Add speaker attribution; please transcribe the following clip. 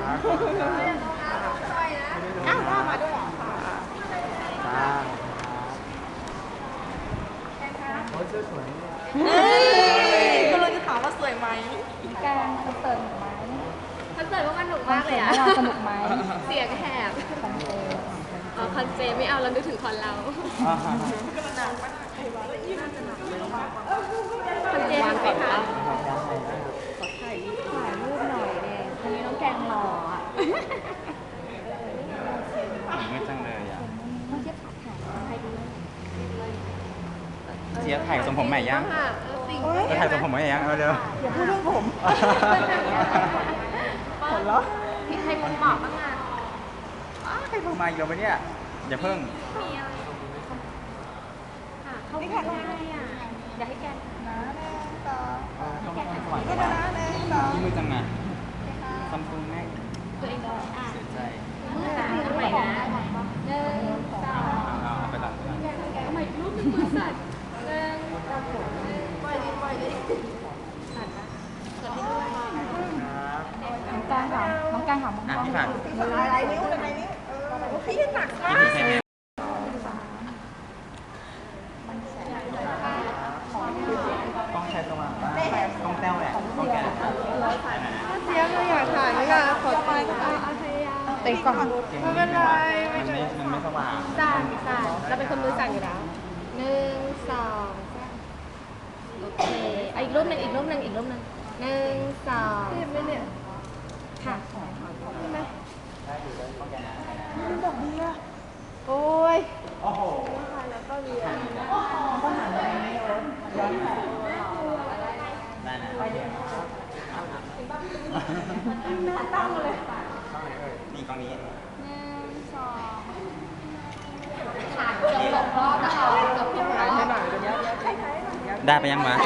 Speaker 1: อ้าวมาด้วยเหรอ
Speaker 2: โอ้ยเสื้อสวย
Speaker 1: ก็เลยจะถามว่าสวยไหม
Speaker 3: แกงคอนเสิร์ตหนุกไหม
Speaker 4: คอนเสิร์ตว่ามันหนุกมากเลยอะ
Speaker 3: สนุกไหม
Speaker 4: เสียงแหบ
Speaker 3: คอนเสิร์ต
Speaker 4: อ๋อคอนเจไม่เอาเรานึกถึงคอนเราคอนเจหนุกไหมคะ
Speaker 3: ถ่ายรูปหน่อยเองวันนี้น้องแกงหล่ออ่ะ
Speaker 2: ไม่จังเลยอ่ะ
Speaker 3: ไม่ใช่ผัดถ่ายใครดู
Speaker 2: เจี๊ยบถ่ายทรงผมใหม่ยัง
Speaker 4: ค่ะสิ่ง
Speaker 2: จะถ่ายทรงผมใหม่ยังเอาเร็ว
Speaker 1: อย่าพูดเรื่องผมผลเหรอ
Speaker 4: มีใครมุมเหมาะบ้างอ่ะ
Speaker 2: ใครโทรมาอีกแล้ววะเนี่ยอย่าเพิ่ง
Speaker 4: มีอะไรค่ะเขาไม่ได้อ่ะอยากให้แก
Speaker 2: ต้องสว่างสว่างที่มือจังอ่ะซัมซุงแม่ง
Speaker 4: ตัวเองก็อ่ะ
Speaker 2: เสียใจ
Speaker 4: มือสั่นทำไมนะหนึ่งสอง
Speaker 2: เอาไปตัด
Speaker 4: ทำไมรูปมันมือสั่นหนึ่งปล่อยดิสั่นนะกดให้ด้วย
Speaker 3: น้องแกงถามน้องแกงถามมอง
Speaker 2: อ่ะ
Speaker 3: กล้อง
Speaker 2: พี่ผ่าน
Speaker 1: อะไรนิ้วอะไรนิ้วพี่หนักมาก
Speaker 2: พี่แม่ต้องใช้สว่างต้องแต้วแหละต้องแก
Speaker 1: เสียเลยอยากถ่ายไม่อยากขอไป
Speaker 4: เอาพยายาม
Speaker 1: เตะก่อนไม่เป็นไร
Speaker 2: มันไม่สว่าง
Speaker 4: สั่นเราเป็นคนมือสั่นอยู่แล้วหนึ่งสองสามโอเคเอาอีกรูปหนึ่งหนึ่งสอง
Speaker 1: เจ็บไหมเนี่ย
Speaker 4: ค่ะ
Speaker 1: ใช่ไหมมันดอกเบี้ยโอ้ย
Speaker 2: โอ้โห
Speaker 1: แล้วก็เรียน
Speaker 3: ต้องหันไปนี้โอ๊ตย้อนแสง
Speaker 2: ได้นะนี่กล้องนี้
Speaker 3: หนึ่งสอง
Speaker 4: ผ่านเกือบ6 รอบแล้วเราพี่หมาย
Speaker 1: ให้หน่อยเดี๋ยว
Speaker 2: ได้ไปยังวะ